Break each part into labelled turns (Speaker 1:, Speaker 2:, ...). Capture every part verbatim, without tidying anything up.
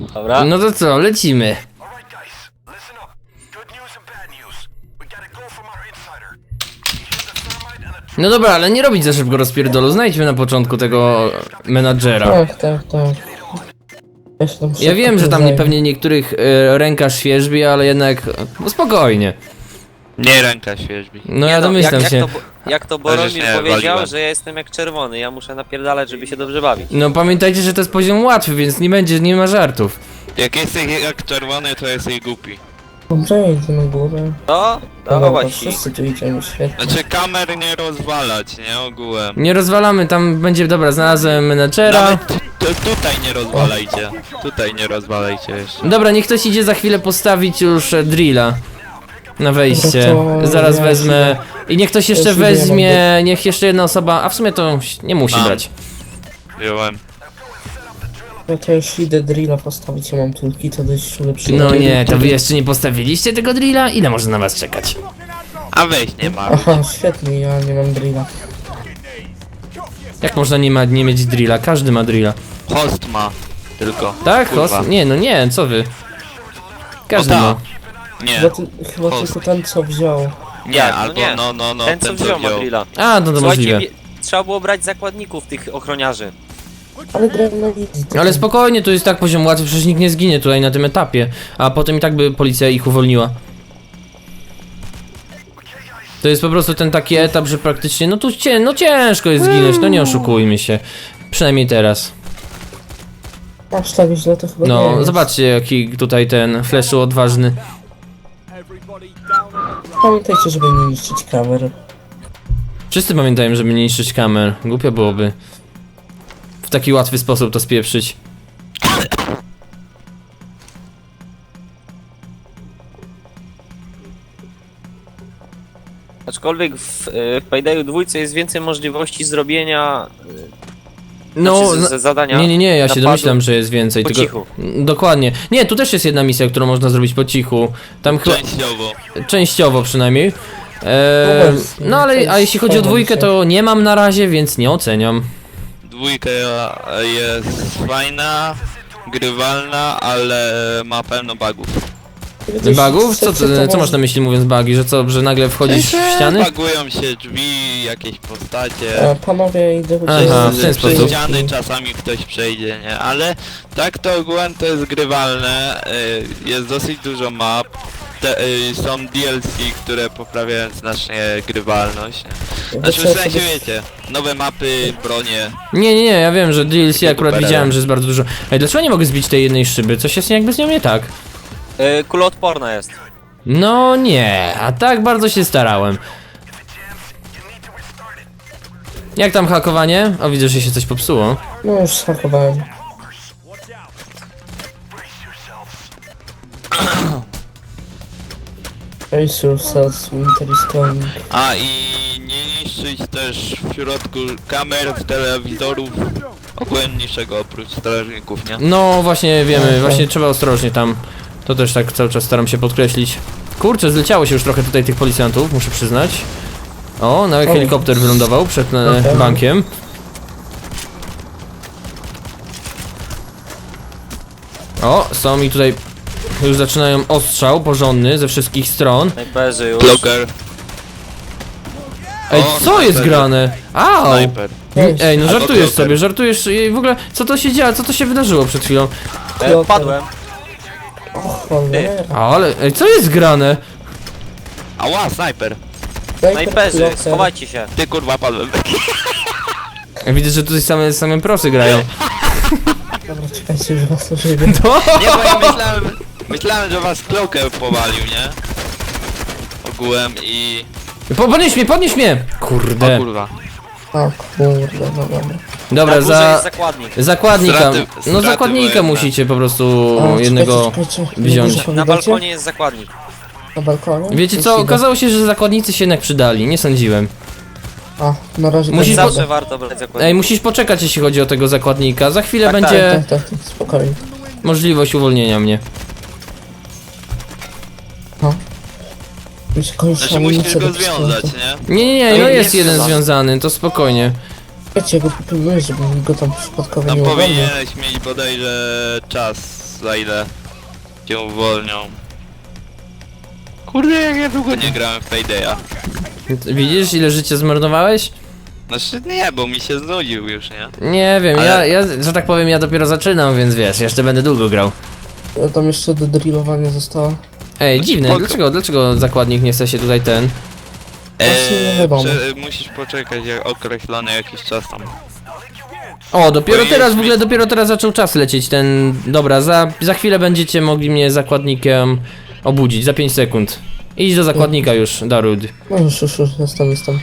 Speaker 1: Dobra.
Speaker 2: No to co, lecimy. No dobra, ale nie robić za szybko rozpierdolu. Znajdźmy na początku tego menadżera.
Speaker 3: Tak, tak, tak. Ja, się tam
Speaker 2: Ja
Speaker 3: szybko
Speaker 2: wiem, że
Speaker 3: tym
Speaker 2: tam
Speaker 3: zajmę.
Speaker 2: pewnie niektórych e, ręka świerzbi, ale jednak no spokojnie.
Speaker 4: Nie ręka świeżbi.
Speaker 2: No
Speaker 1: Nie
Speaker 2: ja
Speaker 1: no,
Speaker 2: domyślam
Speaker 1: jak,
Speaker 2: się.
Speaker 1: jak to, bo- jak to Boromir
Speaker 4: nie,
Speaker 1: powiedział,
Speaker 4: waliłem.
Speaker 1: że ja jestem jak czerwony, ja muszę napierdalać, żeby się dobrze bawić.
Speaker 2: No pamiętajcie, że to jest poziom łatwy, więc nie będzie, nie ma żartów.
Speaker 4: Jak jesteś jak czerwony, to jesteś głupi.
Speaker 3: Dobrze, idę na górę.
Speaker 1: No,
Speaker 3: Dobra,
Speaker 1: dawać ci.
Speaker 3: wszyscy tu idziemy, świetnie.
Speaker 4: Znaczy kamer nie rozwalać, nie ogółem.
Speaker 2: Nie rozwalamy, tam będzie, dobra, znalazłem menadżera.
Speaker 4: Nawet tu, tu, tutaj nie rozwalajcie. Tutaj nie rozwalajcie jeszcze.
Speaker 2: Dobra, niech ktoś idzie za chwilę postawić już e, drilla. Na wejście.
Speaker 3: No to
Speaker 2: Zaraz
Speaker 3: ja
Speaker 2: wezmę. I niech ktoś jeszcze
Speaker 3: Ja się nie
Speaker 2: weźmie, niech jeszcze jedna osoba, a w sumie to nie musi
Speaker 4: Mam.
Speaker 2: brać.
Speaker 4: Wziąłem.
Speaker 3: No to jeśli idę drilla postawić, ja mam tulki, to dość lepszy.
Speaker 2: No nie, to wy jeszcze nie postawiliście tego drilla? Ile może na was czekać?
Speaker 4: A weź nie ma.
Speaker 3: Aha, świetnie, ja nie mam drilla.
Speaker 2: Jak można nie, ma, nie mieć drilla? Każdy ma drilla.
Speaker 4: Host ma. Tylko.
Speaker 2: Tak,
Speaker 4: Kurwa.
Speaker 2: host? Nie, no nie, co wy? Każdy
Speaker 4: O,
Speaker 2: ma.
Speaker 4: tak. Nie.
Speaker 3: Chyba, ty, chyba
Speaker 4: Host.
Speaker 3: tylko ten co wziął.
Speaker 4: Nie,
Speaker 1: Jak? No
Speaker 4: albo
Speaker 1: nie.
Speaker 4: no, no, no,
Speaker 1: Ten co wziął Madrilla.
Speaker 2: A, no to
Speaker 1: Słuchajcie,
Speaker 2: możliwe.
Speaker 1: wie- trzeba było brać zakładników tych ochroniarzy.
Speaker 3: Ale grałem na wizji. to
Speaker 2: Ale
Speaker 3: tam-
Speaker 2: spokojnie, to jest tak poziom łatwy, przecież nikt nie zginie tutaj na tym etapie. A potem i tak by policja ich uwolniła. To jest po prostu ten taki etap, że praktycznie, no tu cię, no ciężko jest zginąć, no nie oszukujmy się. Przynajmniej teraz.
Speaker 3: Aż tak źle to chyba nie
Speaker 2: No,
Speaker 3: jest.
Speaker 2: zobaczcie jaki tutaj ten fleszu odważny.
Speaker 3: Pamiętajcie, żeby nie niszczyć kamer.
Speaker 2: Wszyscy pamiętają, żeby nie niszczyć kamer. Głupio byłoby w taki łatwy sposób to spieprzyć.
Speaker 1: Aczkolwiek w, e, w Paydayu dwójce jest więcej możliwości zrobienia
Speaker 2: No,
Speaker 1: znaczy, z,
Speaker 2: na-
Speaker 1: z zadania.
Speaker 2: nie, nie, nie, ja się
Speaker 1: napadu
Speaker 2: domyślam, że jest więcej.
Speaker 1: po
Speaker 2: Tylko,
Speaker 1: cichu.
Speaker 2: dokładnie. Nie, tu też jest jedna misja, którą można zrobić po cichu. Tam chyba.
Speaker 4: Częściowo.
Speaker 2: Częściowo przynajmniej. Eee, no ale a jeśli chodzi o dwójkę, to nie mam na razie, więc nie oceniam.
Speaker 4: Dwójka jest fajna, grywalna, ale ma pełno bugów.
Speaker 2: Bugów? Co, co, co masz na myśli mówiąc bugi? Że co, że nagle wchodzisz w ściany?
Speaker 4: Bagują się drzwi, jakieś postacie.
Speaker 3: E, panowie, idę
Speaker 2: Aha, w ten
Speaker 4: Przez
Speaker 2: sposób.
Speaker 4: ściany czasami ktoś przejdzie, nie? Ale tak to ogółem to jest grywalne, y, jest dosyć dużo map, te, y, są D L C, które poprawiają znacznie grywalność. nie? Znaczy w sensie wiecie, nowe mapy, bronie.
Speaker 2: Nie, nie, nie, ja wiem, że D L C akurat
Speaker 4: Super.
Speaker 2: widziałem, że jest bardzo dużo. Ej, dlaczego nie mogę zbić tej jednej szyby? Coś jest jakby z nią nie tak.
Speaker 1: E, kuloodporna jest.
Speaker 2: No nie, a tak bardzo się starałem. Jak tam hakowanie? O, widzę, że się coś popsuło.
Speaker 3: No już schakowałem. Face yourselves, winter is coming.
Speaker 4: A i nie niszczyć też w środku kamer, telewizorów, ogółem niczego oprócz strażników, nie?
Speaker 2: No właśnie wiemy,
Speaker 3: Okej.
Speaker 2: właśnie trzeba ostrożnie tam. To też tak cały czas staram się podkreślić. Kurczę, zleciało się już trochę tutaj tych policjantów, muszę przyznać. O, nawet
Speaker 3: O.
Speaker 2: helikopter wylądował przed e,
Speaker 3: Okej.
Speaker 2: bankiem. O, są mi tutaj już zaczynają ostrzał porządny ze wszystkich stron.
Speaker 1: Snajperzy już.
Speaker 4: Blocker,
Speaker 2: Ej,
Speaker 4: O,
Speaker 2: co jest
Speaker 4: snajper.
Speaker 2: grane? Au!
Speaker 4: sniper.
Speaker 2: Ej, no
Speaker 4: Albo
Speaker 2: żartujesz
Speaker 4: bloker.
Speaker 2: sobie, żartujesz i w ogóle co to się dzieje, co to się wydarzyło przed chwilą?
Speaker 1: E, padłem.
Speaker 3: Cholera.
Speaker 2: Ale, ej, co jest grane?
Speaker 4: Ała, sniper.
Speaker 1: Snajperzy, schowajcie się.
Speaker 4: Ty kurwa padłem.
Speaker 2: Ja widzę, że tutaj same, same prosy grają.
Speaker 3: Dobra, czekajcie, że was ożywię.
Speaker 2: To?
Speaker 4: Nie, bo ja myślałem, myślałem, że was Cloaker powalił, nie? Ogółem i...
Speaker 2: Po, podnieś mnie, podnieś mnie!
Speaker 4: O
Speaker 2: Kurde.
Speaker 4: kurwa.
Speaker 3: O kurde, no dobra.
Speaker 2: Dobra,
Speaker 1: Na górze
Speaker 2: za
Speaker 1: jest zakładnik.
Speaker 2: zakładnika.
Speaker 4: Straty-
Speaker 2: No
Speaker 4: straty
Speaker 2: zakładnika
Speaker 4: wojenne.
Speaker 2: musicie po prostu
Speaker 3: O,
Speaker 2: jednego
Speaker 3: czekajcie, czekajcie,
Speaker 2: wziąć.
Speaker 3: może
Speaker 1: Na
Speaker 3: powiedziecie?
Speaker 1: balkonie jest zakładnik.
Speaker 3: Na balkonie?
Speaker 2: Wiecie co,
Speaker 3: Jeśli
Speaker 2: okazało się, że zakładnicy się jednak przydali, nie sądziłem.
Speaker 3: da- A, na razie
Speaker 2: Musisz
Speaker 3: tak
Speaker 2: po-
Speaker 1: Zawsze warto brać zakładnika.
Speaker 2: Ej, musisz poczekać jeśli chodzi o tego zakładnika, za chwilę
Speaker 1: Tak,
Speaker 2: będzie
Speaker 3: Tak, tak, tak, spokojnie.
Speaker 2: możliwość uwolnienia mnie.
Speaker 3: No. Mi się kończy
Speaker 4: Znaczy musisz
Speaker 3: amunicja
Speaker 4: go
Speaker 3: do pistoletu.
Speaker 4: związać, nie?
Speaker 2: Nie, nie, nie,
Speaker 1: No
Speaker 2: no
Speaker 1: i
Speaker 2: jest
Speaker 1: nie
Speaker 2: jeden
Speaker 1: związany.
Speaker 2: związany, to spokojnie.
Speaker 3: Wiecie, go popilnuję, żeby mi go tam przypadkowo
Speaker 4: Tam
Speaker 3: nie uwolnił.
Speaker 4: powinieneś mieć bodajże czas za ile cię uwolnią. Kurde, jak ja długo nie grałem w Paydaya.
Speaker 2: Widzisz, ile życia zmarnowałeś?
Speaker 4: Znaczy nie, bo mi się znudził już, nie?
Speaker 2: Nie wiem,
Speaker 4: Ale-
Speaker 2: ja, ja, że tak powiem, ja dopiero zaczynam, więc wiesz, jeszcze będę długo grał.
Speaker 3: Ja tam jeszcze do drillowania zostało.
Speaker 2: Ej,
Speaker 4: No
Speaker 2: dziwne,
Speaker 4: spoko.
Speaker 2: dlaczego, dlaczego zakładnik nie chce się tutaj ten...
Speaker 3: Właśnie nie wiadomo.
Speaker 4: prze- musisz poczekać jak określony jakiś czas tam.
Speaker 2: O, dopiero
Speaker 4: Bo jest
Speaker 2: teraz, w
Speaker 4: mi-
Speaker 2: ogóle dopiero teraz zaczął czas lecieć ten... Dobra, za, za chwilę będziecie mogli mnie zakładnikiem obudzić, za pięć sekund. Idź do zakładnika już, Darud.
Speaker 3: No już, już, już, jestem, jestem.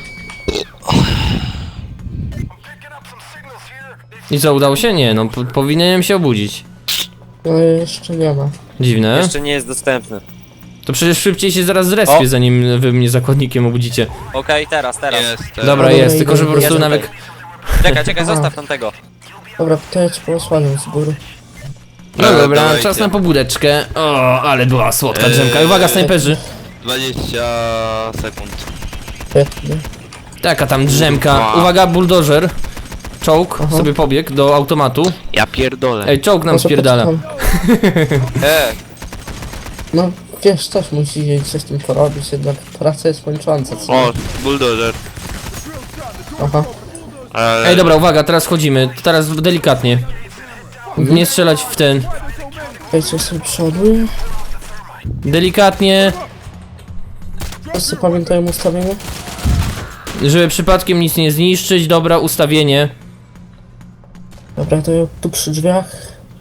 Speaker 2: I co, udało się? Nie, no po, powinienem się obudzić.
Speaker 3: No jeszcze nie ma.
Speaker 2: Dziwne.
Speaker 1: Jeszcze nie jest dostępny.
Speaker 2: To przecież szybciej się zaraz zrespię,
Speaker 1: O!
Speaker 2: zanim wy mnie zakładnikiem obudzicie.
Speaker 1: Okej, teraz, teraz.
Speaker 4: Jest, teraz.
Speaker 2: Dobra,
Speaker 3: Dobra,
Speaker 2: jest,
Speaker 3: idę,
Speaker 2: tylko że po
Speaker 3: idę.
Speaker 2: prostu
Speaker 1: Jest
Speaker 2: nawet...
Speaker 1: tutaj. Czekaj, czekaj, zostaw tamtego.
Speaker 3: Dobra, to ja ci posłaniam z góry.
Speaker 2: No
Speaker 4: Dobra,
Speaker 2: dobra,
Speaker 4: dawajcie.
Speaker 2: czas na pobudeczkę. O, ale była słodka
Speaker 4: Eee.
Speaker 2: drzemka. Uwaga, snajperzy.
Speaker 4: dwadzieścia sekund.
Speaker 3: Świetnie.
Speaker 2: Taka tam drzemka.
Speaker 4: Kurwa.
Speaker 2: Uwaga, buldożer. Czołg
Speaker 3: Aha.
Speaker 2: sobie pobiegł do automatu.
Speaker 4: Ja pierdolę.
Speaker 2: Ej, czołg nam
Speaker 3: Może
Speaker 2: spierdala.
Speaker 3: poczekam.
Speaker 1: E,
Speaker 3: No wiesz, też musi coś z tym porobić, jednak praca jest męcząca, co?
Speaker 4: O, buldożer.
Speaker 3: Aha.
Speaker 4: Ale...
Speaker 2: Ej, dobra, uwaga, teraz chodzimy. Teraz delikatnie. Nie strzelać w ten.
Speaker 3: Ej, coś sobie przoduję.
Speaker 2: Delikatnie,
Speaker 3: Wszyscy pamiętają ustawienie?
Speaker 2: żeby przypadkiem nic nie zniszczyć. Dobra, ustawienie.
Speaker 3: Dobra, to ja tu przy drzwiach.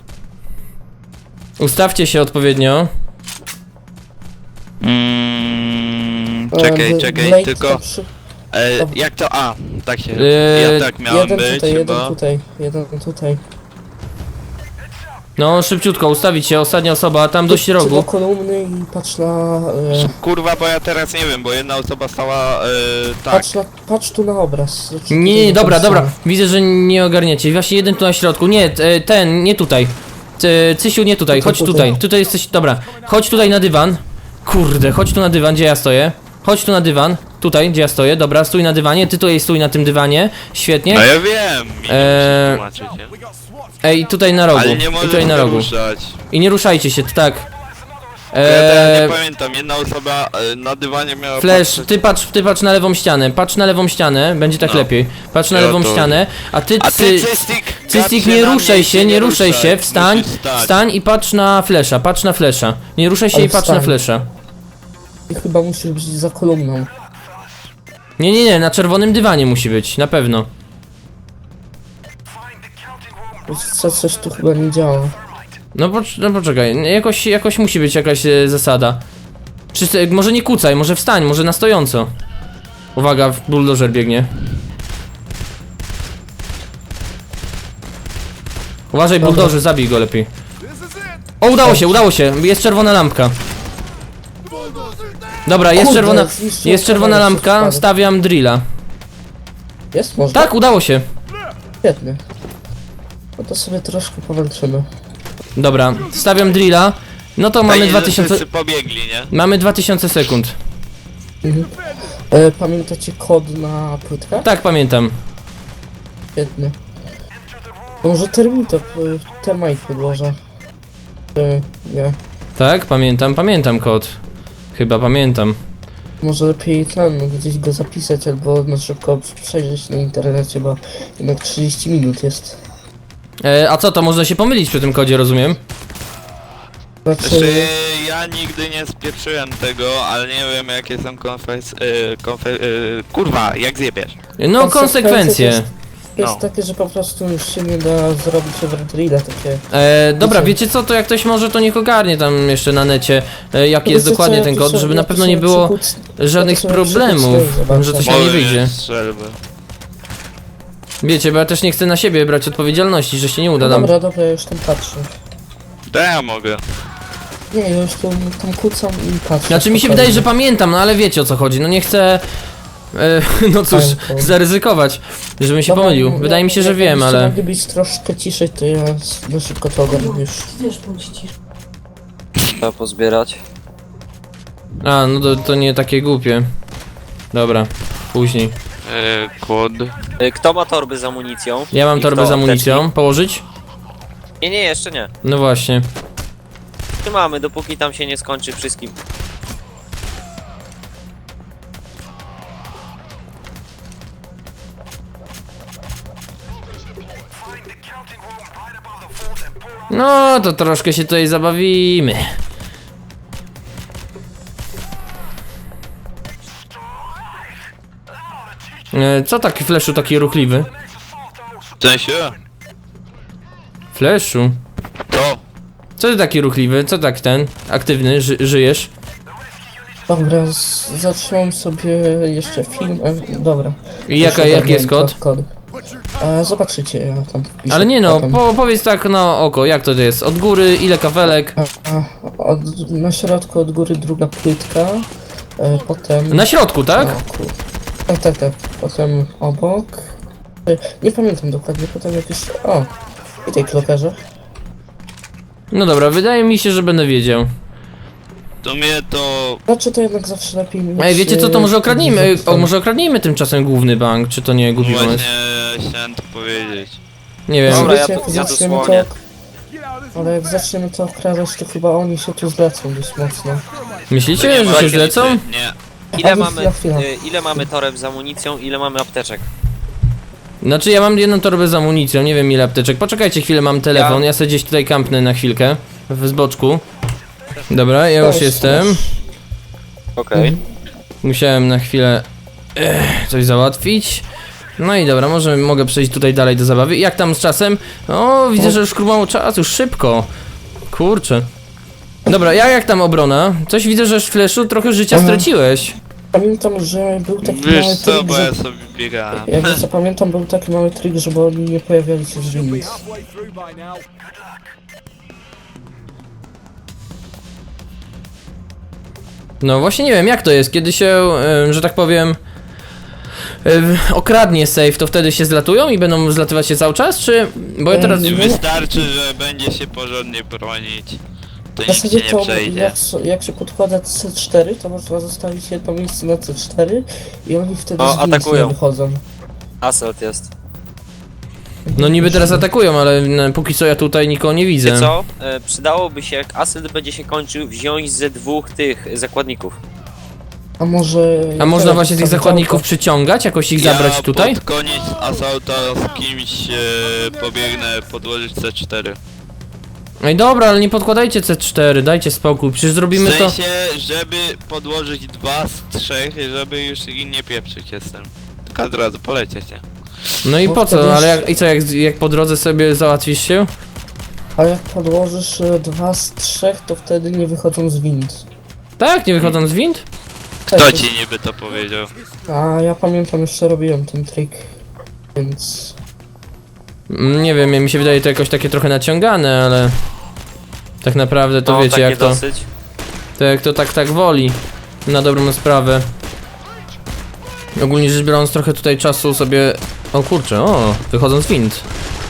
Speaker 2: Ustawcie się odpowiednio.
Speaker 4: Mm,
Speaker 3: E,
Speaker 4: czekaj,
Speaker 3: Bl-
Speaker 4: czekaj,
Speaker 3: Blade
Speaker 4: tylko...
Speaker 3: tam przy...
Speaker 4: E, jak to? A, tak się...
Speaker 2: Eee,
Speaker 4: ja tak miałem
Speaker 3: Jeden
Speaker 4: być,
Speaker 3: tutaj, jeden
Speaker 4: chyba.
Speaker 3: tutaj, jeden tutaj.
Speaker 2: No, szybciutko, ustawić się. Ostatnia osoba, tam do
Speaker 3: Czy do
Speaker 2: rogu.
Speaker 3: kolumny i patrz na... E,
Speaker 4: Kurwa, bo ja teraz nie wiem, bo jedna osoba stała... E, tak.
Speaker 3: patrz, na, patrz tu na obraz. Znaczy,
Speaker 2: Nie,
Speaker 3: tutaj
Speaker 2: nie,
Speaker 3: na
Speaker 2: dobra,
Speaker 3: tą
Speaker 2: dobra.
Speaker 3: stronę.
Speaker 2: Widzę, że nie ogarniacie. Właśnie jeden tu na środku. Nie, t- ten, nie tutaj. T- Cysiu, nie tutaj,
Speaker 3: Tutaj,
Speaker 2: chodź
Speaker 3: tutaj.
Speaker 2: tutaj. Tutaj jesteś, dobra. Chodź tutaj na dywan. Kurde, chodź tu na dywan, gdzie ja stoję. Chodź tu na dywan. Tutaj, gdzie ja stoję. Dobra, stój na dywanie. Ty tutaj stój na tym dywanie. Świetnie.
Speaker 4: No ja wiem, mi
Speaker 2: Eee,
Speaker 4: eee... tłumaczyć, nie?
Speaker 2: Ej, tutaj na rogu.
Speaker 4: Ale nie
Speaker 2: I
Speaker 4: możesz
Speaker 2: tutaj na rogu.
Speaker 4: ruszać.
Speaker 2: I nie ruszajcie się, tak.
Speaker 4: Ja teraz
Speaker 2: Eee,
Speaker 4: nie pamiętam, jedna osoba e, na dywanie miała
Speaker 2: Flash,
Speaker 4: patrzeć-
Speaker 2: ty patrz, ty patrz na lewą ścianę. Patrz na lewą ścianę, będzie tak
Speaker 4: No.
Speaker 2: lepiej. Patrz na
Speaker 4: Ja
Speaker 2: lewą
Speaker 4: to-
Speaker 2: ścianę, a ty,
Speaker 4: A
Speaker 2: ty,
Speaker 4: ty, Cystik,
Speaker 2: Cystik,
Speaker 4: patrz
Speaker 2: nie
Speaker 4: na
Speaker 2: ruszaj
Speaker 4: mnie,
Speaker 2: się, nie ruszaj się, wstań,
Speaker 4: musisz stać.
Speaker 2: wstań i patrz na flesza, patrz na flesza. Nie ruszaj się
Speaker 3: Ale
Speaker 2: i patrz na
Speaker 3: wstań.
Speaker 2: flesza.
Speaker 3: I chyba musisz być za kolumną.
Speaker 2: Nie, nie, nie, na czerwonym dywanie musi być, na pewno.
Speaker 3: Co, coś tu chyba nie działa.
Speaker 2: No, pocz no poczekaj, jakoś, jakoś musi być jakaś e, zasada. Czy, może nie kucaj, może wstań, może na stojąco. Uwaga, buldożer biegnie. Uważaj,
Speaker 3: Dobra.
Speaker 2: buldożer, zabij go lepiej. O, udało się, udało się, jest czerwona lampka. Dobra, jest
Speaker 3: Kurde,
Speaker 2: czerwona,
Speaker 3: zniszczyłem
Speaker 2: jest czerwona
Speaker 3: kamerę,
Speaker 2: lampka,
Speaker 3: wszystko.
Speaker 2: stawiam drilla.
Speaker 3: Jest? Można?
Speaker 2: Tak, udało się.
Speaker 3: Świetnie. No to sobie troszkę powalczymy.
Speaker 2: Dobra, stawiam drilla. No to mamy
Speaker 4: Fajnie,
Speaker 2: dwa
Speaker 4: że
Speaker 2: tysiące,
Speaker 4: wszyscy pobiegli, nie?
Speaker 2: mamy dwa tysiące sekund.
Speaker 3: Mhm. E, pamiętacie kod na płytkach?
Speaker 2: Tak, pamiętam.
Speaker 3: Świetnie. To może termitop, e, termite podłożę. E, nie.
Speaker 2: Tak, pamiętam, pamiętam kod. Chyba pamiętam.
Speaker 3: Może lepiej ten, gdzieś go zapisać albo na szybko przejrzeć na internecie, bo jednak trzydzieści minut jest.
Speaker 2: E, a co, to można się pomylić przy tym kodzie, rozumiem?
Speaker 3: Znaczy,
Speaker 4: Znaczy, ja nigdy nie spieprzyłem tego, ale nie wiem jakie są konfes... Y, konfe... Y, kurwa, jak zjebiesz?
Speaker 2: No, konsekwencje.
Speaker 3: jest, jest
Speaker 4: No.
Speaker 3: takie, że po prostu już się nie da zrobić overdrilla, takie...
Speaker 2: E, dobra,
Speaker 3: Wiecie-
Speaker 2: wiecie co, to jak ktoś może, to niech ogarnie tam jeszcze na necie, e, jaki
Speaker 3: No
Speaker 2: jest
Speaker 3: wiecie co,
Speaker 2: dokładnie
Speaker 3: ja
Speaker 2: ten
Speaker 3: tu
Speaker 2: kod,
Speaker 3: sobie-
Speaker 2: żeby
Speaker 3: ja
Speaker 2: na
Speaker 3: tu
Speaker 2: pewno
Speaker 3: sobie
Speaker 2: nie było
Speaker 3: przykuc-
Speaker 2: żadnych
Speaker 3: sobie
Speaker 2: problemów,
Speaker 3: przykucnę i zobaczę.
Speaker 2: że coś nam nie
Speaker 4: Moje
Speaker 2: wyjdzie.
Speaker 4: strzelby.
Speaker 2: Wiecie, bo ja też nie chcę na siebie brać odpowiedzialności, że się nie uda
Speaker 3: No
Speaker 2: nam.
Speaker 3: dobra, dobra, ja już tam patrzę.
Speaker 4: To ja mogę.
Speaker 3: Nie, ja już tam, tam kucam i patrzę.
Speaker 2: Znaczy mi się
Speaker 3: spokojnie.
Speaker 2: wydaje, że pamiętam, no ale wiecie o co chodzi, no nie chcę... E, no cóż,
Speaker 3: Pamiętam.
Speaker 2: zaryzykować, żebym się
Speaker 3: Dobra,
Speaker 2: pomylił.
Speaker 3: no,
Speaker 2: Wydaje mi się, że
Speaker 3: jakbyście
Speaker 2: wiem, ale...
Speaker 3: mogli być troszkę ciszej, to ja na szybko to ogarnę już.
Speaker 1: trzeba pozbierać.
Speaker 2: A, no to, to nie takie głupie. Dobra, później.
Speaker 4: Y, kod.
Speaker 1: Y, Kto ma torby z amunicją?
Speaker 2: Ja mam
Speaker 1: I
Speaker 2: torbę
Speaker 1: kto
Speaker 2: z amunicją.
Speaker 1: apteczki?
Speaker 2: Położyć?
Speaker 1: Nie, nie, jeszcze nie.
Speaker 2: No właśnie.
Speaker 1: wytrzymamy, dopóki tam się nie skończy wszystkim.
Speaker 2: No, to troszkę się tutaj zabawimy. E, Co taki Fleszu taki ruchliwy?
Speaker 4: W sensie?
Speaker 2: Fleszu?
Speaker 4: To.
Speaker 2: Co ty taki ruchliwy? Co tak ten? Aktywny? Ży żyjesz?
Speaker 3: Dobra, z- zatrzymam sobie jeszcze film. E, dobra.
Speaker 2: I jaka,
Speaker 3: Już
Speaker 2: jaki jest
Speaker 3: ogarniałem
Speaker 2: kod?
Speaker 3: kod. E, zobaczycie, ja tam wpiszę
Speaker 2: Ale nie no,
Speaker 3: potem.
Speaker 2: po, powiedz tak na oko, jak to jest? Od góry, ile kafelek?
Speaker 3: A, a, od, na środku od góry druga płytka. E, potem...
Speaker 2: Na środku, tak?
Speaker 3: O, kur... Tak, tak, tak. Potem obok. E, nie pamiętam dokładnie, potem jakieś... O! I tej klokerze.
Speaker 2: No dobra, wydaje mi się, że będę wiedział.
Speaker 4: To mnie to...
Speaker 3: Znaczy to jednak zawsze lepiej mieć...
Speaker 2: Ej, wiecie co, to
Speaker 3: e,
Speaker 2: może okradnijmy, o,
Speaker 3: zapisane.
Speaker 2: może okradnijmy tymczasem główny bank, czy to nie głupi pomysł?
Speaker 4: Właśnie chciałem to powiedzieć.
Speaker 2: Nie wiem.
Speaker 1: Dobra,
Speaker 3: Wiecie,
Speaker 1: ja
Speaker 3: jak
Speaker 1: tu- ja tu
Speaker 3: zaczniemy
Speaker 1: słonię.
Speaker 3: to... Ale jak zaczniemy to okradać, to chyba oni się tu zwracą dość mocno.
Speaker 2: Myślicie,
Speaker 4: nie
Speaker 2: że
Speaker 4: ma
Speaker 2: się
Speaker 4: rakiety.
Speaker 2: zlecą?
Speaker 4: Nie.
Speaker 1: Ile
Speaker 3: Ale
Speaker 1: mamy,
Speaker 3: chwila, chwila.
Speaker 1: y, ile mamy toreb z amunicją, ile mamy apteczek?
Speaker 2: Znaczy ja mam jedną torbę z amunicją, nie wiem ile apteczek. Poczekajcie chwilę, mam telefon,
Speaker 1: Ja-
Speaker 2: ja sobie gdzieś tutaj kampnę na chwilkę. W zboczku. Dobra, ja już
Speaker 3: Weź,
Speaker 2: jestem.
Speaker 3: weź.
Speaker 1: Okej.
Speaker 2: Musiałem na chwilę eh, coś załatwić. No i dobra, może mogę przejść tutaj dalej do zabawy. Jak tam z czasem? O, widzę, że już mało czasu, już szybko. Kurczę. Dobra, ja jak tam obrona? Coś widzę, że Fleszu trochę życia
Speaker 3: Aha.
Speaker 2: straciłeś.
Speaker 3: Pamiętam, że był taki
Speaker 4: Wiesz
Speaker 3: mały
Speaker 4: co,
Speaker 3: trik,
Speaker 4: bo
Speaker 3: że...
Speaker 4: ja sobie biegałem.
Speaker 3: Jak co pamiętam, był taki mały trik, żeby oni nie pojawiali się z winnic.
Speaker 2: No właśnie nie wiem jak to jest, kiedy się, em, że tak powiem, em, okradnie safe, to wtedy się zlatują i będą zlatywać się cały czas, czy... Bo ja teraz...
Speaker 3: Em,
Speaker 4: Wystarczy, że będzie się porządnie bronić. To
Speaker 3: W
Speaker 4: nic
Speaker 3: zasadzie
Speaker 4: ci
Speaker 3: to
Speaker 4: nie przejdzie.
Speaker 3: jak, so- jak się podkłada C cztery, to można zostawić jedno miejsce na C cztery i oni wtedy
Speaker 1: O,
Speaker 3: z winnic nie
Speaker 1: atakują.
Speaker 3: wychodzą.
Speaker 1: Assault jest.
Speaker 2: No niby teraz atakują, ale no, póki co ja tutaj nikogo nie widzę.
Speaker 1: Wiecie co? E, przydałoby się, jak Assault będzie się kończył, wziąć ze dwóch tych zakładników.
Speaker 3: A może...
Speaker 2: A można
Speaker 3: teraz
Speaker 2: właśnie tych
Speaker 3: tam
Speaker 2: zakładników
Speaker 3: działka?
Speaker 2: przyciągać, jakoś ich zabrać
Speaker 4: ja
Speaker 2: tutaj?
Speaker 4: pod koniec asauta z kimś e, pobiegnę podłożyć C cztery.
Speaker 2: Ej dobra, ale nie podkładajcie C cztery, dajcie spokój, przecież zrobimy
Speaker 4: W
Speaker 2: to...
Speaker 4: sensie, żeby podłożyć dwa z trzech, żeby już ich nie pieprzyć jestem. Tylko od razu polecieć, nie?
Speaker 2: No i
Speaker 3: Bo
Speaker 2: po
Speaker 3: wtedy
Speaker 2: co, ale
Speaker 3: już-
Speaker 2: jak, i co, jak, jak po drodze sobie załatwisz się?
Speaker 3: A jak podłożysz e, dwa z trzech, to wtedy nie wychodzą z wind.
Speaker 2: Tak, nie wychodząc z wind?
Speaker 4: Kto
Speaker 3: Tak,
Speaker 4: ci niby to powiedział?
Speaker 3: A ja pamiętam, jeszcze robiłem ten trik, więc...
Speaker 2: Mm, Nie wiem, mi się wydaje to jakoś takie trochę naciągane, ale... Tak naprawdę to
Speaker 1: No,
Speaker 2: wiecie
Speaker 1: takie
Speaker 2: jak to...
Speaker 1: dosyć.
Speaker 2: To jak to tak tak woli. Na dobrą sprawę. Ogólnie rzecz biorąc trochę tutaj czasu sobie... O kurczę, o, wychodząc z wind.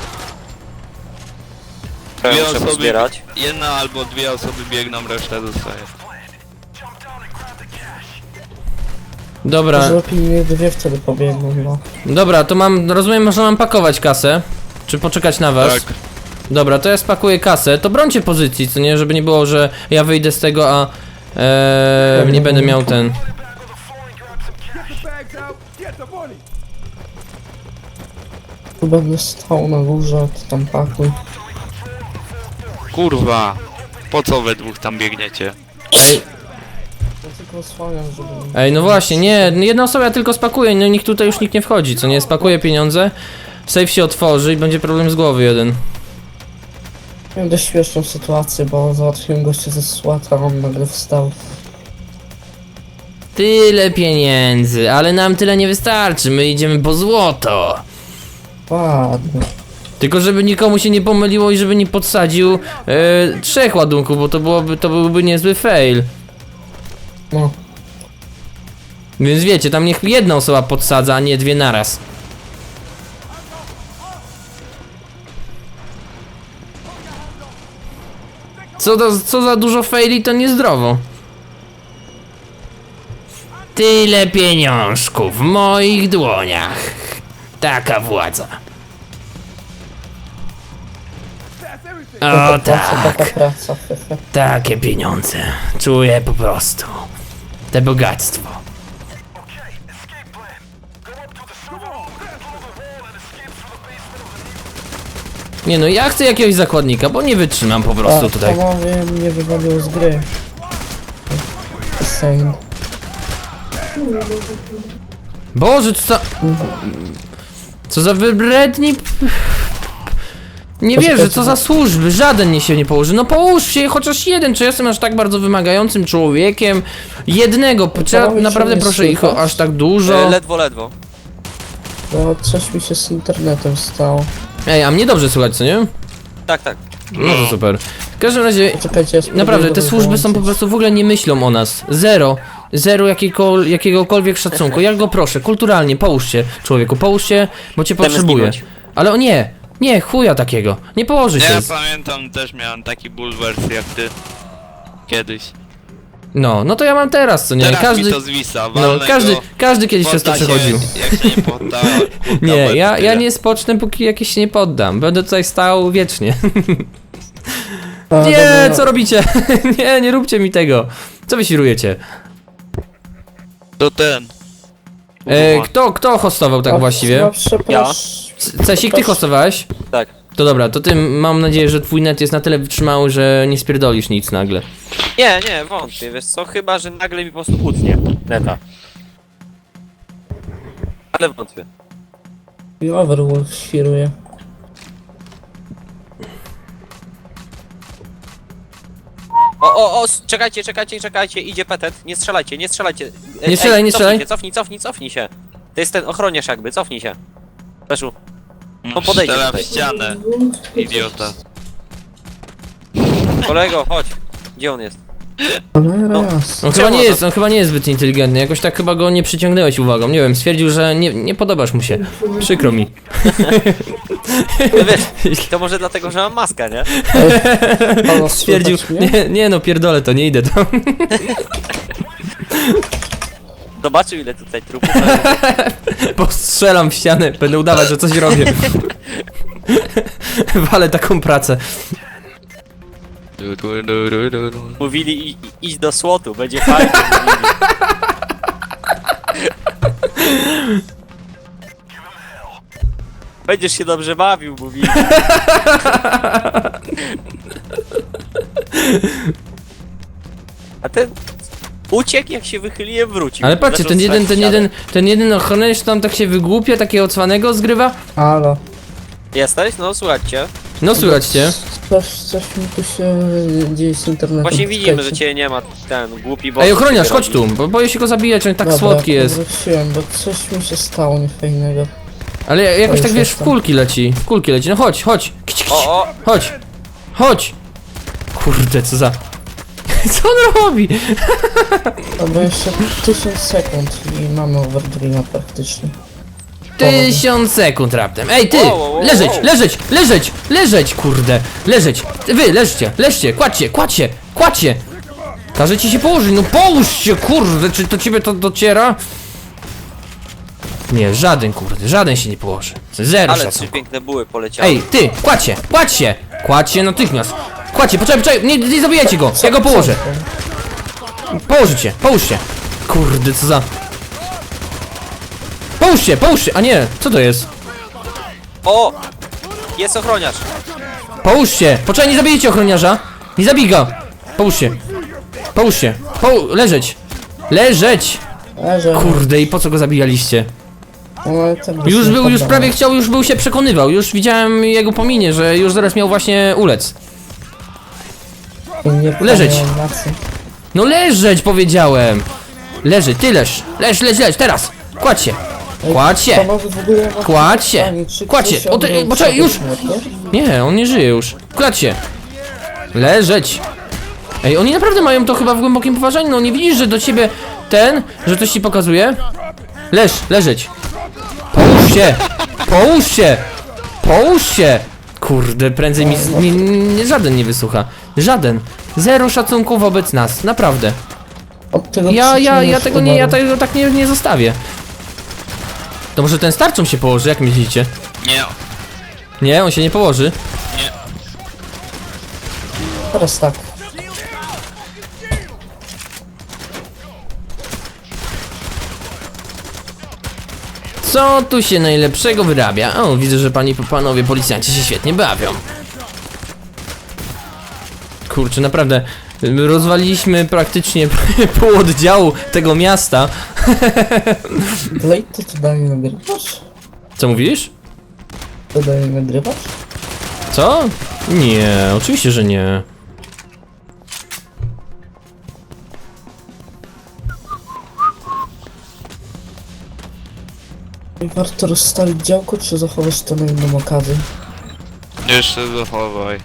Speaker 1: Trochę
Speaker 4: Dwie
Speaker 1: muszę
Speaker 4: osoby,
Speaker 1: pozbierać.
Speaker 4: jedna albo dwie osoby biegną, reszta zostaje.
Speaker 2: Dobra,
Speaker 3: Może lepiej nie dwie wtedy pobiegną, no.
Speaker 2: dobra, to mam, rozumiem, że mam pakować kasę. Czy poczekać na was?
Speaker 4: Tak.
Speaker 2: Dobra, to ja spakuję kasę. To brońcie pozycji, co nie? Żeby nie było, że ja wyjdę z tego, a... Eee, nie będę miał ten...
Speaker 3: Tu będę stał na górze, ty tam pakuj.
Speaker 4: Kurwa. Po co we dwóch tam biegniecie?
Speaker 2: Ej,
Speaker 3: Ja tylko osłaniam, żeby...
Speaker 2: ej, no właśnie, nie, jedna osoba ja tylko spakuję, no nikt tutaj już nikt nie wchodzi, co nie? Spakuję pieniądze, safe się otworzy i będzie problem z głowy jeden.
Speaker 3: Miałem dość śmieszną sytuację, bo załatwiłem gościa ze SWAT, a on nagle wstał.
Speaker 2: Tyle pieniędzy, ale nam tyle nie wystarczy, my idziemy po złoto.
Speaker 3: Ładnie.
Speaker 2: Tylko żeby nikomu się nie pomyliło i żeby nie podsadził e, trzech ładunków, bo to byłoby, to byłby niezły fail.
Speaker 3: No.
Speaker 2: Więc wiecie, tam niech jedna osoba podsadza, a nie dwie naraz. Co, to, co za dużo faili, to niezdrowo. Tyle pieniążków w moich dłoniach. Taka władza. O
Speaker 3: Taka praca,
Speaker 2: tak,
Speaker 3: taka praca. hehe.
Speaker 2: takie pieniądze. Czuję po prostu. Te bogactwo. Nie no, ja chcę jakiegoś zakładnika, bo nie wytrzymam po prostu
Speaker 3: A,
Speaker 2: tutaj.
Speaker 3: panowie mnie wywaliło z gry. Insane.
Speaker 2: Boże, co za... Co za wybredni... Nie wierzę, co za służby, żaden nie się nie położy. No połóż się chociaż jeden, czy jestem aż tak bardzo wymagającym człowiekiem? Jednego, trzeba,
Speaker 3: Panowie,
Speaker 2: naprawdę
Speaker 3: czy nie
Speaker 2: proszę ich o
Speaker 3: słychać?
Speaker 2: aż tak
Speaker 1: E,
Speaker 2: dużo.
Speaker 1: ledwo, ledwo.
Speaker 3: No coś mi się z internetem stało.
Speaker 2: Ej, a mnie dobrze słychać, co nie?
Speaker 1: Tak, tak.
Speaker 2: No to super. W każdym razie,
Speaker 3: Czekajcie, ja spróbuję
Speaker 2: naprawdę,
Speaker 3: go
Speaker 2: te służby są po
Speaker 3: wyłączyć.
Speaker 2: prostu w ogóle nie myślą o nas. Zero. Zero jakiego, jakiegokolwiek szacunku. Ja go proszę, kulturalnie, połóż się, człowieku, połóż się, bo cię
Speaker 1: Chcemy
Speaker 2: potrzebuję.
Speaker 1: zginąć.
Speaker 2: Ale o nie, nie, chuja takiego. Nie położy się.
Speaker 4: Ja pamiętam, też miałem taki bulwers jak ty. Kiedyś.
Speaker 2: No, no to ja mam teraz, co nie?
Speaker 4: Teraz
Speaker 2: Każdy,
Speaker 4: mi to zwisa,
Speaker 2: no,
Speaker 4: walnę
Speaker 2: każdy,
Speaker 4: go,
Speaker 2: każdy kiedyś przez to
Speaker 4: podda się,
Speaker 2: przechodził.
Speaker 4: Jak się nie podda, podda
Speaker 2: Nie,
Speaker 4: łeb,
Speaker 2: ja, ja
Speaker 4: tyle.
Speaker 2: nie spocznę, póki jakiś się nie poddam. Będę tutaj stał wiecznie.
Speaker 3: A,
Speaker 2: Nie,
Speaker 3: dobra,
Speaker 2: co robicie? Nie, nie róbcie mi tego. Co wy świrujecie?
Speaker 4: To ten.
Speaker 2: E, kto, kto hostował tak
Speaker 3: a,
Speaker 2: właściwie?
Speaker 3: no, przepraszam.
Speaker 2: C- Cesik, ty hostowałeś?
Speaker 1: Tak.
Speaker 2: To dobra, to ty mam nadzieję, że twój net jest na tyle wytrzymały, że nie spierdolisz nic nagle.
Speaker 1: Nie, nie, wątpię, wiesz co, chyba, że nagle mi po prostu utnie neta. Ale wątpię.
Speaker 3: I Overwolf świruje.
Speaker 1: O, o, o, s- czekajcie, czekajcie, czekajcie, idzie petet, nie strzelajcie, nie strzelajcie. E,
Speaker 2: Nie strzelaj, nie strzelaj.
Speaker 1: Cofnij, się, cofnij, cofnij, cofnij się. To jest ten ochroniarz jakby, cofnij się. Leszu. No podejdzie
Speaker 4: Strzela
Speaker 1: tutaj.
Speaker 4: w ścianę. Idiota.
Speaker 1: Kolego, chodź. Gdzie on jest?
Speaker 3: Ale
Speaker 1: No.
Speaker 3: raz.
Speaker 2: On
Speaker 1: Czemu
Speaker 2: chyba nie
Speaker 1: on
Speaker 2: jest, on chyba nie jest zbyt inteligentny, jakoś tak chyba go nie przyciągnęłeś uwagą, nie wiem, stwierdził, że nie, nie podobasz mu się. Przykro mi.
Speaker 1: No wiesz, to może dlatego, że mam maskę, nie?
Speaker 3: Halo,
Speaker 2: Stwierdził,
Speaker 3: słychać mnie?
Speaker 2: nie, nie no pierdolę to, nie idę tam.
Speaker 1: Zobaczył ile tutaj trupów.
Speaker 2: Postrzelam w ścianę, będę udawać, że coś robię. Walę taką pracę.
Speaker 4: Du, du, du, du, du, du.
Speaker 1: Mówili i, i, idź do słotu, będzie fajnie. Mówili. Będziesz się dobrze bawił, mówili. A ten uciekł, jak się wychyliłem, wrócił.
Speaker 2: Ale patrzcie,
Speaker 1: Zaczął
Speaker 2: ten jeden,
Speaker 1: strzelać
Speaker 2: ten
Speaker 1: w ścianę.
Speaker 2: jeden, ten jeden ochroniarz tam tak się wygłupia, takiego cwanego zgrywa.
Speaker 3: Halo.
Speaker 1: Jesteś? No słuchajcie.
Speaker 2: No słychać cię.
Speaker 3: Coś, coś mi tu się dzieje z internetem.
Speaker 1: Właśnie widzimy, że
Speaker 3: Czekajcie.
Speaker 1: cię nie ma, ten głupi bo.
Speaker 2: Ej, ochroniarz, chodź tu, bo boję się go zabijać, on tak
Speaker 3: Dobra,
Speaker 2: słodki jest.
Speaker 3: Wróciłem, bo coś mi się stało niefajnego.
Speaker 2: Ale jakoś
Speaker 3: już
Speaker 2: tak wiesz, w
Speaker 3: jestem.
Speaker 2: kulki leci, w kulki leci, no chodź, chodź. Kć, kć.
Speaker 1: O, o,
Speaker 2: Chodź! Chodź! Kurde, co za... Co on robi?
Speaker 3: Dobra, jeszcze tysiąc sekund i mamy overdreama praktycznie.
Speaker 2: Tysiąc sekund raptem. Ej, ty!
Speaker 1: Wow, wow, wow,
Speaker 2: Leżeć,
Speaker 1: wow.
Speaker 2: leżeć, leżeć, leżeć, kurde! Leżeć! Wy, leżcie, leżcie, kładźcie, kładźcie, kładźcie! Każe ci się położyć, no połóż się, kurde, czy do ciebie to dociera? Nie, żaden, kurde, żaden się nie położy. Zero
Speaker 1: ale trzy
Speaker 2: szacunku.
Speaker 1: piękne buły poleciały.
Speaker 2: Ej, ty, kładź się, kładź się! Kładź się natychmiast! Kładź się, poczekaj, poczekaj, nie, nie zabijajcie go! Ja go położę! Położyć się, połóż się! Kurde, co za... Połóż się, połóż się! A nie, co to jest?
Speaker 1: O! Jest ochroniarz.
Speaker 2: Połóż się! Poczekaj, nie zabijecie ochroniarza! Nie zabij go! Połóż się! Połóż się! Poł... Leżeć! Leżeć!
Speaker 3: Leżę.
Speaker 2: Kurde, i po co go zabijaliście?
Speaker 3: No, ale tak
Speaker 2: Już
Speaker 3: byśmy
Speaker 2: był, już
Speaker 3: poddali.
Speaker 2: prawie chciał, już był się przekonywał, już widziałem jego po minie, że już zaraz miał właśnie ulec.
Speaker 3: Nie
Speaker 2: leżeć.
Speaker 3: pamiętam na co.
Speaker 2: No leżeć powiedziałem! Leżeć, ty leż! Leż, leż, leż, teraz! Kładź się!
Speaker 3: Ej,
Speaker 2: Kładź się!
Speaker 3: panowie, w ogóle mam
Speaker 2: Kładź się!
Speaker 3: pytanie, czy
Speaker 2: Kładź się!
Speaker 3: ktoś
Speaker 2: O, ty,
Speaker 3: obrał
Speaker 2: poczekaj, już!
Speaker 3: śmierć?
Speaker 2: Nie, on nie żyje już. Kładź się! Leżeć! Ej, oni naprawdę mają to chyba w głębokim poważaniu, no nie widzisz, że do ciebie ten, że coś ci pokazuje? Leż, leżeć! Połóż się! Połóż się! Połóż się! Kurde, prędzej mi, z- mi, mi żaden nie wysłucha. Żaden. Zero szacunku wobec nas, naprawdę.
Speaker 3: Od tego
Speaker 2: Ja, ja, ja
Speaker 3: przyczyny
Speaker 2: tego nie, ja
Speaker 3: umarł.
Speaker 2: tego tak nie, nie zostawię. To może ten starczą się położy, jak myślicie?
Speaker 4: Nie.
Speaker 2: Nie, on się nie położy.
Speaker 3: Teraz tak.
Speaker 2: Co tu się najlepszego wyrabia? O, widzę, że pani, panowie policjanci się świetnie bawią. Kurczę, naprawdę, rozwaliliśmy praktycznie pół oddziału tego miasta.
Speaker 3: Blade, to ty dalej nagrywasz?
Speaker 2: Co mówisz?
Speaker 3: To dalej nagrywasz?
Speaker 2: Co? Nie, oczywiście, że nie.
Speaker 3: I warto rozstawić działko, czy zachowasz to na inną okazję?
Speaker 4: Jeszcze zachowaj.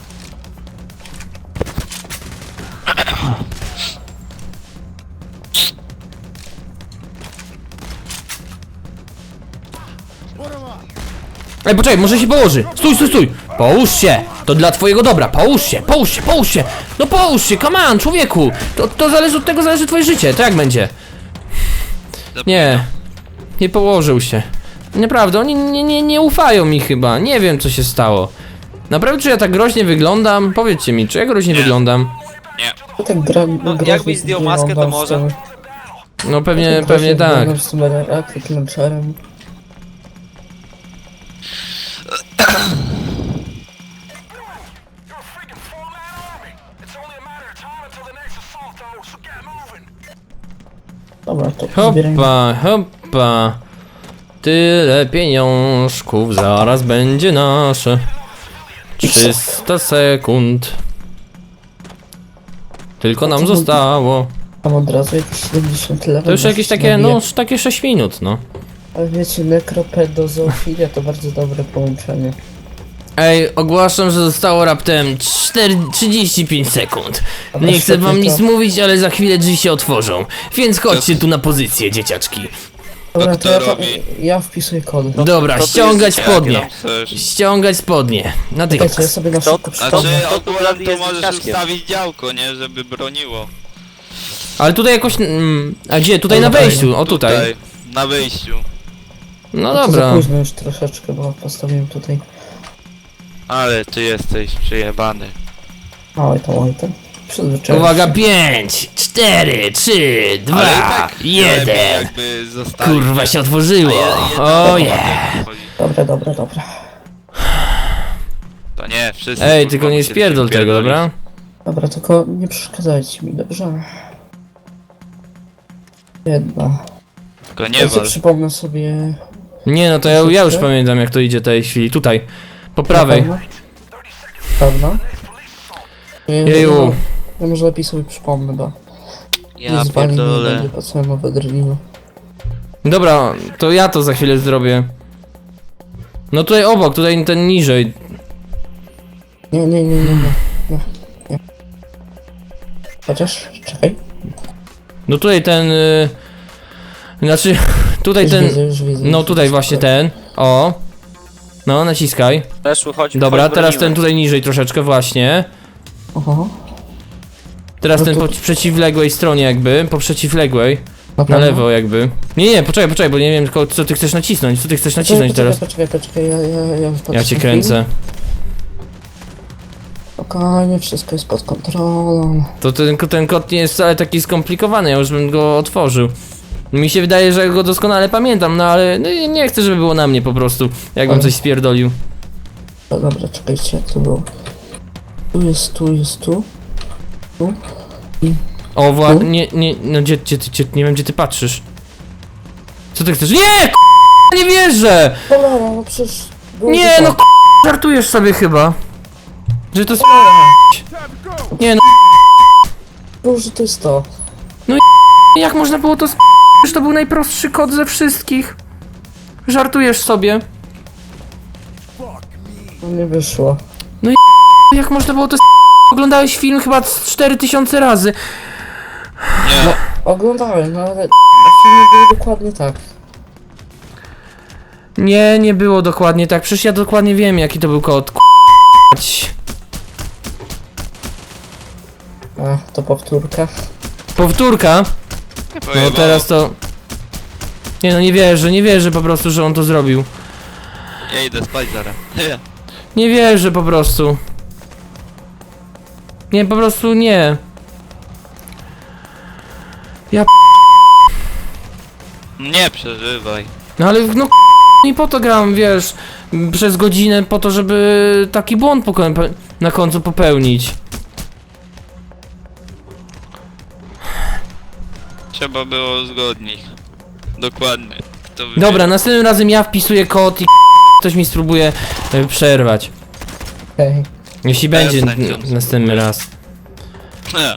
Speaker 2: Ej, poczekaj, może się położy. Stój, stój, stój. Połóż się. To dla twojego dobra. Połóż się, połóż się, połóż się. No połóż się, come on, człowieku. To, to zależy od tego, zależy twoje życie. To jak będzie? Nie. Nie położył się. Naprawdę, oni nie, nie, nie ufają mi chyba. Nie wiem, co się stało. Naprawdę, czy ja tak groźnie wyglądam? Powiedzcie mi, czy ja groźnie
Speaker 4: Nie.
Speaker 2: wyglądam?
Speaker 4: Nie.
Speaker 3: No tak gra...
Speaker 1: No, jakbyś zdjął maskę, to może.
Speaker 2: No pewnie, pewnie tak.
Speaker 3: Z tym rakiet launcherem. Dobra, to zbierajmy.
Speaker 2: Hoppa, hoppa. Tyle pieniążków zaraz będzie nasze. trzysta sekund. Tylko nam zostało.
Speaker 3: Tam od razu jakieś siedemdziesiąt level.
Speaker 2: To już jakieś takie, no, takie sześć minut, no.
Speaker 3: Ale wiecie, nekropedozoofilia to bardzo dobre połączenie.
Speaker 2: Ej, ogłaszam, że zostało raptem cztery, trzydzieści pięć sekund.
Speaker 3: Dobra,
Speaker 2: Nie chcę
Speaker 3: świetnie
Speaker 2: wam
Speaker 3: to.
Speaker 2: nic mówić, ale za chwilę drzwi się otworzą. Więc chodźcie tu na pozycję, dzieciaczki.
Speaker 3: Dobra,
Speaker 4: kto
Speaker 3: to ja,
Speaker 4: robi?
Speaker 3: ja wpisuję kod.
Speaker 2: Dobra,
Speaker 1: to ty
Speaker 2: ściągać
Speaker 1: jesteś
Speaker 2: spodnie.
Speaker 4: Jak tam chcesz?
Speaker 2: Ściągać spodnie.
Speaker 3: Czekajcie, ja
Speaker 2: Natychmiast.
Speaker 3: sobie na
Speaker 1: Kto-
Speaker 3: szybko
Speaker 1: kto-
Speaker 3: przypomnę.
Speaker 4: Znaczy,
Speaker 1: to tu
Speaker 4: ogólnie
Speaker 1: Bradley
Speaker 4: to
Speaker 1: jest
Speaker 4: możesz
Speaker 1: dzieciaczkiem.
Speaker 4: ustawić działko, nie? Żeby broniło.
Speaker 2: Ale tutaj jakoś... Mm, a gdzie? Tutaj na
Speaker 3: Tutaj.
Speaker 2: wejściu, o tutaj.
Speaker 4: Na wyjściu.
Speaker 2: No
Speaker 3: To za
Speaker 2: dobra.
Speaker 3: późno już troszeczkę, bo postawiłem tutaj.
Speaker 4: Ale ty jesteś przyjebany.
Speaker 3: Oj tam, oj tam. Przyzwyczaiłem
Speaker 2: Uwaga,
Speaker 3: się.
Speaker 2: pięć, cztery, trzy,
Speaker 4: Ale i
Speaker 2: dwa,
Speaker 4: tak lepiej
Speaker 2: jeden.
Speaker 4: jakby zostawić.
Speaker 2: Kurwa się otworzyło. O je.
Speaker 3: Dobra, dobra, dobra.
Speaker 4: To nie, wszyscy.
Speaker 2: Ej,
Speaker 4: kurwa,
Speaker 2: tylko nie
Speaker 4: musieli
Speaker 2: spierdol
Speaker 4: się
Speaker 2: tego,
Speaker 4: pierdolić.
Speaker 2: dobra?
Speaker 3: Dobra, tylko nie przeszkadzajcie mi, dobrze? Jedna.
Speaker 4: Tylko nie
Speaker 3: Ja sobie
Speaker 4: wal.
Speaker 3: przypomnę sobie...
Speaker 2: Nie, no to ja, ja już pamiętam, jak to idzie tej chwili. Tutaj. Po prawej.
Speaker 3: Na pewno? Ja,
Speaker 2: Jeju.
Speaker 3: Ja, ja może lepiej sobie przypomnę, bo...
Speaker 4: Ja
Speaker 3: z wami nie
Speaker 4: pierdolę.
Speaker 3: będzie po całym wydrwinu.
Speaker 2: Dobra, to ja to za chwilę zrobię. No tutaj obok, tutaj ten niżej.
Speaker 3: Nie, nie, nie, nie, nie. nie, nie. Chociaż, czekaj.
Speaker 2: No tutaj ten... Y... Znaczy, tutaj
Speaker 3: Już
Speaker 2: ten...
Speaker 3: widzę, już widzę.
Speaker 2: No
Speaker 3: już
Speaker 2: tutaj
Speaker 3: widzę.
Speaker 2: właśnie ten. O. No, naciskaj.
Speaker 1: Weszły, chodź.
Speaker 2: Dobra,
Speaker 1: chodź,
Speaker 2: teraz
Speaker 1: bronimy.
Speaker 2: ten tutaj niżej troszeczkę właśnie.
Speaker 3: Oho.
Speaker 2: Teraz
Speaker 3: No
Speaker 2: ten
Speaker 3: to-
Speaker 2: po przeciwległej stronie jakby, po przeciwległej.
Speaker 3: Na
Speaker 2: Na
Speaker 3: pewno?
Speaker 2: lewo jakby. Nie, nie, poczekaj, poczekaj, bo nie wiem tylko co ty chcesz nacisnąć, co ty chcesz nacisnąć
Speaker 3: Poczekaj,
Speaker 2: teraz.
Speaker 3: poczekaj, poczekaj, ja, ja, ja, już patrzę
Speaker 2: Ja cię
Speaker 3: na
Speaker 2: kręcę.
Speaker 3: film. Spokojnie, wszystko jest pod kontrolą.
Speaker 2: To ten, ten kod nie jest wcale taki skomplikowany, ja już bym go otworzył. Mi się wydaje, że go doskonale pamiętam, no ale no, i nie chcę, żeby było na mnie po prostu, jakbym
Speaker 3: Ale-
Speaker 2: coś spierdolił.
Speaker 3: No dobra, czekajcie, jak to było. Tu jest, tu jest, tu. Tu.
Speaker 2: O, wła...
Speaker 3: Tu?
Speaker 2: nie, nie, no gdzie, gdzie, ty- gdzie, nie wiem gdzie ty patrzysz. Co ty chcesz? Nie, k***a, nie wierzę!
Speaker 3: Dobra, no przecież... było
Speaker 2: Nie,
Speaker 3: tak.
Speaker 2: no k***a, żartujesz sobie chyba. Że to jest... Nie no,
Speaker 3: Było, że to jest to.
Speaker 2: jak można było to sp... Że to był najprostszy kod ze wszystkich. Żartujesz sobie.
Speaker 3: No nie wyszło.
Speaker 2: Jak można było to sp... Oglądałeś film chyba z cztery tysiące razy.
Speaker 4: Nie,
Speaker 3: Oglądałem, no ale... Filmy były dokładnie tak.
Speaker 2: Nie, nie było dokładnie tak. Przecież ja dokładnie wiem jaki to był kod. K***.
Speaker 3: A, to powtórka.
Speaker 2: Powtórka.
Speaker 4: nie
Speaker 2: No
Speaker 4: pojebało.
Speaker 2: teraz to... Nie no, nie wierzę, nie wierzę po prostu, że on to zrobił.
Speaker 4: Ja idę spać zaraz.
Speaker 2: Nie wierzę po prostu. Nie, po prostu nie. Ja p...
Speaker 4: Nie przeżywaj.
Speaker 2: No ale no nie po to gram, wiesz, przez godzinę po to, żeby taki błąd poko- na końcu popełnić.
Speaker 4: Trzeba było uzgodnić. Dokładnie. Kto wybiera.
Speaker 2: Dobra, następnym razem ja wpisuję kod i ktoś mi spróbuje e, przerwać.
Speaker 3: Okej.
Speaker 2: Jeśli
Speaker 4: A ja
Speaker 2: będzie
Speaker 4: sędzią
Speaker 2: n- następny raz.
Speaker 4: Nie.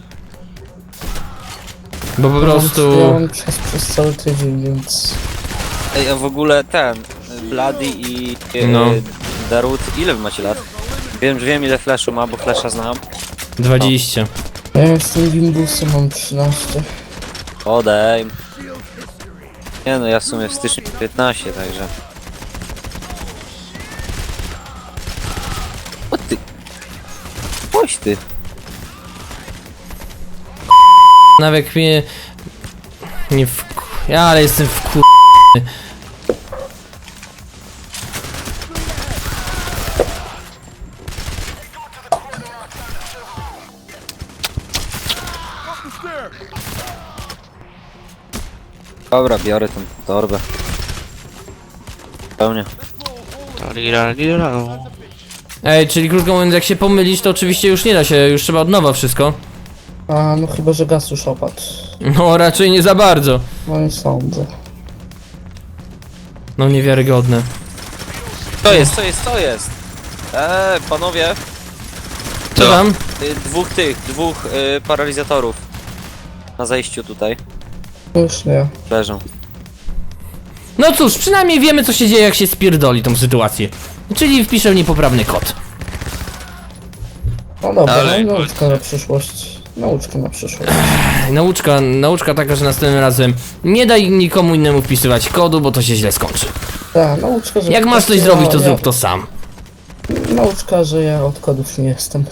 Speaker 2: Bo po
Speaker 3: Ja
Speaker 2: prostu...
Speaker 3: mam przez, przez cały tydzień, więc...
Speaker 1: Ej, a w ogóle ten, Bloody i e,
Speaker 2: No.
Speaker 1: Darut, ile wy macie lat? Wiem, że wiem ile flashu ma, bo flasha znam.
Speaker 2: dwadzieścia.
Speaker 3: Ja jestem Gimbusem, mam trzynaście.
Speaker 1: Odej. Nie no, ja w sumie w styczniu piętnaście, także... O ty... Chodź ty.
Speaker 2: Nawet mnie... Nie w... Ja, ale jestem w kur...
Speaker 1: Dobra, biorę tę torbę. Pełnie.
Speaker 2: Ej, czyli krótko mówiąc, jak się pomylisz, to oczywiście już nie da się, już trzeba od nowa wszystko.
Speaker 3: A, no chyba, że gaz już opadł.
Speaker 2: No, raczej nie za bardzo.
Speaker 3: No nie sądzę.
Speaker 2: No, niewiarygodne.
Speaker 1: Co jest, co jest, co jest? Eee, panowie,
Speaker 2: Co
Speaker 4: Co?
Speaker 2: tam?
Speaker 1: y, dwóch tych, dwóch y, paralizatorów. Na zejściu tutaj
Speaker 3: Już nie.
Speaker 1: leżą.
Speaker 2: No cóż, przynajmniej wiemy, co się dzieje, jak się spierdoli tą sytuację. Czyli wpiszę niepoprawny kod.
Speaker 3: No dobra,
Speaker 4: Ale
Speaker 3: no,
Speaker 4: chodź.
Speaker 3: nauczka na przyszłość. Nauczka na przyszłość.
Speaker 2: Nauczka, nauczka taka, że następnym razem nie daj nikomu innemu wpisywać kodu, bo to się źle skończy.
Speaker 3: Tak, nauczka, że...
Speaker 2: Jak masz coś
Speaker 3: ja-
Speaker 2: zrobić, to
Speaker 3: ja-
Speaker 2: zrób to sam.
Speaker 3: Nauczka, że ja od kodów nie jestem.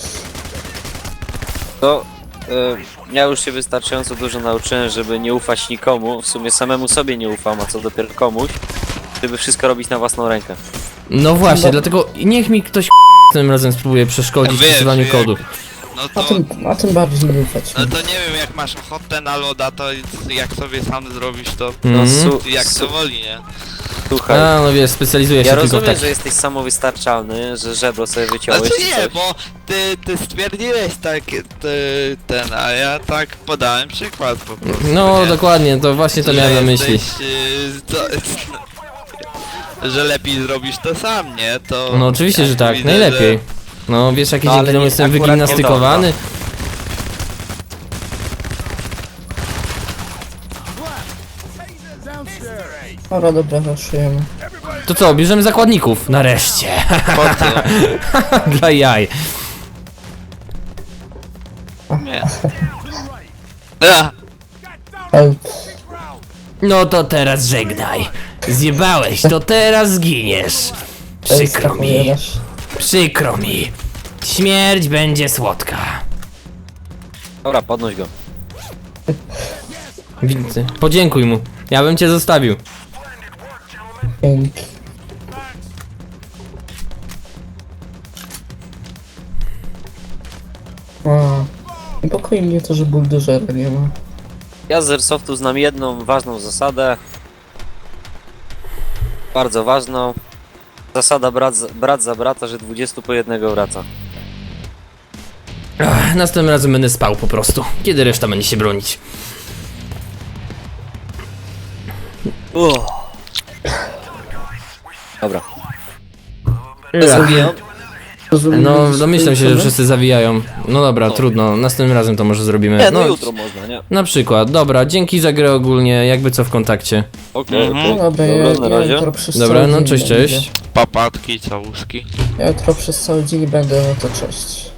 Speaker 1: To y, ja już się wystarczająco dużo nauczyłem, żeby nie ufać nikomu. W sumie samemu sobie nie ufam, a co dopiero komuś. Żeby wszystko robić na własną rękę.
Speaker 2: No właśnie,
Speaker 3: No.
Speaker 2: dlatego niech mi ktoś tym razem spróbuje przeszkodzić w
Speaker 4: Wiesz,
Speaker 2: wpisywaniu
Speaker 4: jak-
Speaker 2: kodu.
Speaker 4: No
Speaker 3: A
Speaker 4: to...
Speaker 3: tym, a tym bardziej nie ufać.
Speaker 4: No to nie wiem, jak masz ochotę na loda, to jak sobie sam zrobisz, to
Speaker 1: No,
Speaker 2: Mhm.
Speaker 1: su-
Speaker 4: jak
Speaker 1: su-
Speaker 4: to woli, nie?
Speaker 1: Słuchaj,
Speaker 2: A, no wiesz, specjalizuję się
Speaker 1: ja
Speaker 2: tylko w
Speaker 1: rozumiem,
Speaker 2: tak.
Speaker 1: że jesteś samowystarczalny, że żebro sobie wyciąłeś
Speaker 4: Znaczy
Speaker 1: i
Speaker 4: nie,
Speaker 1: coś.
Speaker 4: bo ty, ty stwierdziłeś tak, ty, ten, a ja tak podałem przykład po prostu,
Speaker 2: No
Speaker 4: nie?
Speaker 2: dokładnie, to właśnie to
Speaker 4: Że
Speaker 2: miałem na myśli.
Speaker 4: jesteś, y, to, że lepiej zrobisz to sam, nie? To...
Speaker 2: No oczywiście,
Speaker 4: ja
Speaker 2: że tak,
Speaker 4: widzę,
Speaker 2: najlepiej. No wiesz, jaki
Speaker 1: No,
Speaker 2: dzięki
Speaker 1: ale
Speaker 2: temu
Speaker 1: nie-
Speaker 2: jestem
Speaker 1: akurat nie
Speaker 2: wygimnastykowany.
Speaker 3: Dobra, dobra, raszujemy.
Speaker 2: To co, bierzemy zakładników? Nareszcie.
Speaker 4: Że... Po co?
Speaker 2: Dla jaj.
Speaker 4: Nie. A,
Speaker 3: Help.
Speaker 2: No to teraz żegnaj. Zjebałeś, to teraz zginiesz. Przykro mi,
Speaker 3: Opowiadasz.
Speaker 2: przykro mi. Śmierć będzie słodka.
Speaker 1: Dobra, podnoś go.
Speaker 2: Widzę. Podziękuj mu. Ja bym cię zostawił.
Speaker 3: Dzięki. A, niepokoi mnie to, że buldożera nie ma.
Speaker 1: Ja z Airsoftu znam jedną ważną zasadę. Bardzo ważną. Zasada brat, za- brat za brata, że dwudziestu po jednego wraca.
Speaker 2: Ach, następnym razem będę spał po prostu. Kiedy reszta będzie się bronić?
Speaker 1: Uff. Dobra.
Speaker 2: Ach.
Speaker 1: Zabiję.
Speaker 3: Rozumiem,
Speaker 2: No,
Speaker 3: że
Speaker 2: domyślam się, że
Speaker 3: skończymy?
Speaker 2: wszyscy zawijają. No dobra,
Speaker 1: No.
Speaker 2: trudno. Następnym razem to może zrobimy.
Speaker 1: Nie, no,
Speaker 2: No,
Speaker 1: jutro można, nie?
Speaker 2: na przykład. Dobra, dzięki za grę ogólnie. Jakby co w kontakcie.
Speaker 1: Okej,
Speaker 4: Mhm.
Speaker 1: okej.
Speaker 3: No dobra, ja,
Speaker 1: Dobra, na
Speaker 3: ja
Speaker 1: razie.
Speaker 3: jutro przez
Speaker 2: Dobra,
Speaker 3: cały
Speaker 2: no
Speaker 3: dzień
Speaker 2: cześć,
Speaker 3: będę.
Speaker 2: cześć.
Speaker 4: papatki, całuski.
Speaker 3: Ja jutro przez cały dzień będę, no to cześć.